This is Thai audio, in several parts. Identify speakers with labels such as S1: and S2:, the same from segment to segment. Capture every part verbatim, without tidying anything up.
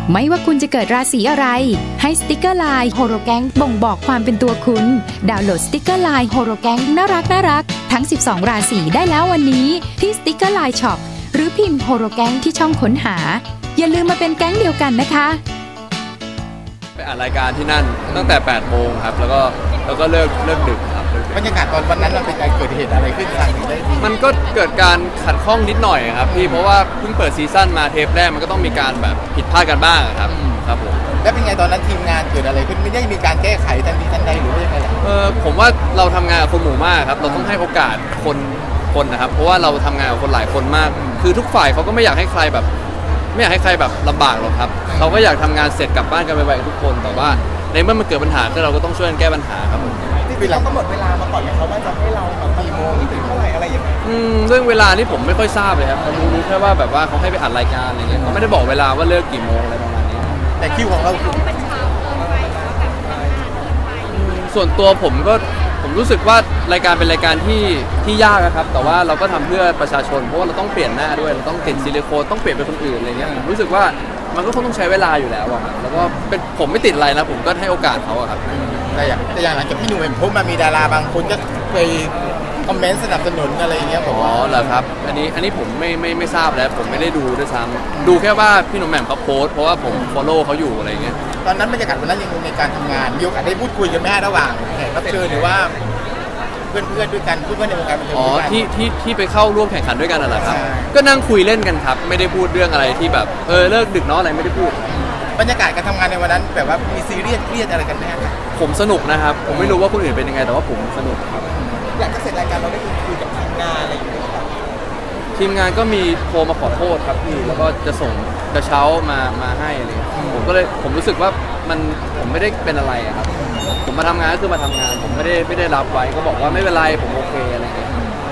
S1: ไม่ว่าคุณจะเกิดราศีอะไรให้สติกเกอร์ไลน์โฮโรแกงบ่งบอกความเป็นตัวคุณดาวน์โหลดสติกเกอร์ไลน์โฮโรแกงน่ารักน่ารักทั้งสิบสองราศีได้แล้ววันนี้ที่สติกเกอร์ไลน์ช็อปหรือพิมพ์โฮโรแกงที่ช่องค้นหาอย่าลืมมาเป็นแก๊งเดียวกันนะคะ
S2: ไปอ่านรายการที่นั่นตั้งแต่แปดโมงครับแล้วก็แล้วก็เลิกเลิกดึกครับ
S3: บรรยากาศตอนวันนั้นมันเป็นการเกิดเหตุอะไรขึ้นสั่งได้ดี
S2: มันก็เกิดการขัดข้องนิดหน่อยครับพี่เพราะว่าเพิ่งเปิดซีซั่นมาเทปแรกมันก็ต้องมีการแบบผิดพลาดกันบ้างครับครับผม
S3: แล้วเป็นไงตอนนั้นทีมงานเกิดอะไรขึ้นไม่ได้มีการแก้ไขทันทีทันใดหรือว่ายังไง
S2: เออผมว่าเราทำงานกับคนหมู่มากครับเราต้องให้โอกาสคนคนนะครับเพราะว่าเราทำงานกับคนหลายคนมากคือทุกฝ่ายเขาก็ไม่อยากให้ใครแบบไม่อยากให้ใครแบบลำบากหรอกครับเราก็อยากทำงานเสร็จกลับบ้านกันไวๆทุกคนแต่ว่าในเมื่อมันเกิดปัญหาก็เราก็ต้องช่วยกันแก้ปัญหาครับผม
S3: ที่เรากำหนดเวลามาก่อนไหมครับว่าจะให้เราแบบกี่โมงถึงเท่าไหร่อะไรอย่างเงี้ย
S2: อืมเรื่องเวลานี่ผมไม่ค่อยทราบเลยครับรู้รู้แค่ว่าแบบว่าเขาให้ไปอัดรายการอะไรเงี้ยเขาไม่ได้บอกเวลาว่าเลิกกี่โมงอะไรประมาณนี้
S3: แต่คิวของเรา
S2: ส่วนตัวผมก็ผมรู้สึกว่ารายการเป็นรายการที่ที่ยากนะครับแต่ว่าเราก็ทำเพื่อประชาชนเพราะว่าเราต้องเปลี่ยนหน้าด้วยเราต้องติดซิลิโคนต้องเปลี่ยนเป็นคนอื่นอะไรเงี้ยผมรู้สึกว่ามันก็คงต้องใช้เวลาอยู่แล้วอะครับแล้วก็เป็นผมไม่ติดอะไรนะผมก็ให้โอกาสเขาอะครับ
S3: แต่อย่างแต่อย่างหลังจากพี่หนุ่มเห็นพบมามีดาราบางคนก็ไปคอมเมนต์สนับสนุนอะไรอย่างเงี้ยผม
S2: อ๋อเหรอครับอันนี้อันนี้ผมไม่ไม่ไม่ทราบแล้วผมไม่ได้ดูด้วยซ้ำดูแค่ว่าพี่หนุ่มแหม่มเขาโพสเพราะว่าผม follow เขาอยู่อะไรเงี้ย
S3: ตอนนั้นบรรยากาศวันนั้นยังในการทำงานมีโอกาสได้พูดคุยกันไหมระหว่างแขกรับเชิญหรือว่าเพื่อนเพื่อนด้วยกันเพื่อนในวงการบันเทิง
S2: อ๋อที่ที่ที่ไปเข้าร่วมแข่งขันด้วยกันน่ะเหรอครับก็นั่งคุยเล่นกันครับไม่ได้พูดเรื่องอะไรที่แบบเออเลิกดึกเนาะอะไรไม่ได้พูด
S3: บรรยากาศการทำงานในวันนั้นแบบว่ามีซีเรียสเครียดอะไรกันไหมครับ
S2: ผมสนุกนะครับผมไม่รู้ว่าคนอื่นเป็นยังไงแต่ว่าผมสนุกครับ
S3: หลังจากเสร็จรายการเราได้คุยกับทีมงานอะไรอย่างเงี้ยครับ
S2: ทีมงานก็มีโทรมาขอโทษครับพี่แล้วก็จะส่งกระเช้ามามาให้อะไรผมก็เลยผมรู้สึกว่ามันผมไม่ได้เป็นอะไรครับผมมาทำงานก็คือมาทำงานผมไม่ได้ไม่ได้รับไว้ก็บอกว่าไม่เป็นไรผมโอเคอะไรเงี้ย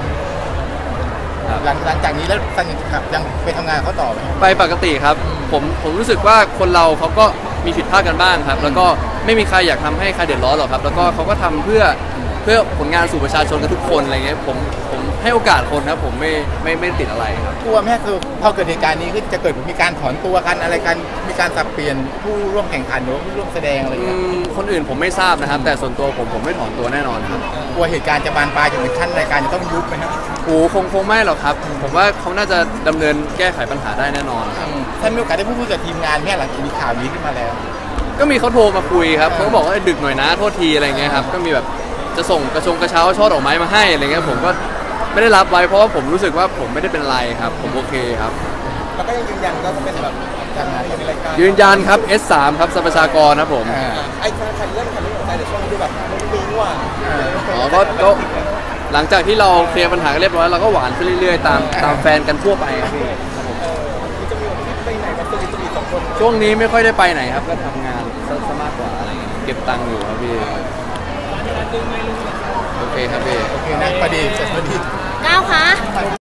S3: หลังหลังจากนี้แล้วสันยังไปทำงานเขาต่อไหม
S2: ไปปกติครับผมผมรู้สึกว่าคนเราเขาก็มีผิดพลาดกันบ้างครับแล้วก็ไม่มีใครอยากทำให้ใครเดือดร้อนหรอกครับแล้วก็เขาก็ทำเพื่อเพื่อผลงานสู่ประชาชนกันทุกคนอะไรเงี้ยผมผมให้โอกาสคนครับผมไม่ไม่ไม่ติดอะไรครับ
S3: กลัวแม่คือพอเกิดเหตุการณ์นี้ขึ้นจะเกิดมีการถอนตัวกันอะไรกันมีการสับเปลี่ยนผู้ร่วมแข่งขันหรือผู้ร่วมแสดงอะไรเงี้ย
S2: คนอื่นผมไม่ทราบนะครับแต่ส่วนตัวผมผมไม่ถอนตัวแน่นอนครับ
S3: กลัวเหตุการณ์จะบานปลายจนถึงขั้นรายการจะต้องยุบไหมครับ
S2: โอ้คงคงไม่หรอกครับผมว่าเขาน่าจะดำเนินแก้ไขปัญหาได้แน่นอนครับ
S3: ท่านมีโอกาสได้พูดคุยกับทีมงานแค่หลังจากมีข่าวนี้ขึ้นมาแล้ว
S2: ก็มีเขาโทรมาคุยครับเขาก็บอกว่าดึกหน่อยนะโทษทีอะไรเงี้ยครับก็มีแบบจะส่งกระชงกระเช้าช่อดอกไม้มาให้อะไรเงี้ยผมก็ไม่ได้รับไว้เพราะว่าผมรู้สึกว่าผมไม่ได้เป็นไรครับผมโอเคครับ
S3: แล้วก็ยังยืนยันก็เป็นแบบการงานในรายการ
S2: ยืนยันครับ เอส สาม ครับสรรพชากรครับผม
S3: ไอ้คันเรื่องคันนี้ของใจแต่ช่วงนี้แบบมันมีว่า
S2: อ๋อก็ก็หลังจากที่เราเคลียร์ปัญหาเรียบร้อยเราก็หวานขึ้นเรื่อยๆตามตามแฟนกันทั่วไปครับพี่ครับผม
S3: จะมีไปไหนมาสนิทสนิทสองคน
S2: ช่วงนี้ไม่ค่อยได้ไปไหนครับก็ทำงานซะมากกว่าอะไรเก็บตังค์อยู่ครับพี่โอเคครับพี่
S3: โอเคนะพอดีเสร็จพอดี
S4: ก้าวคะ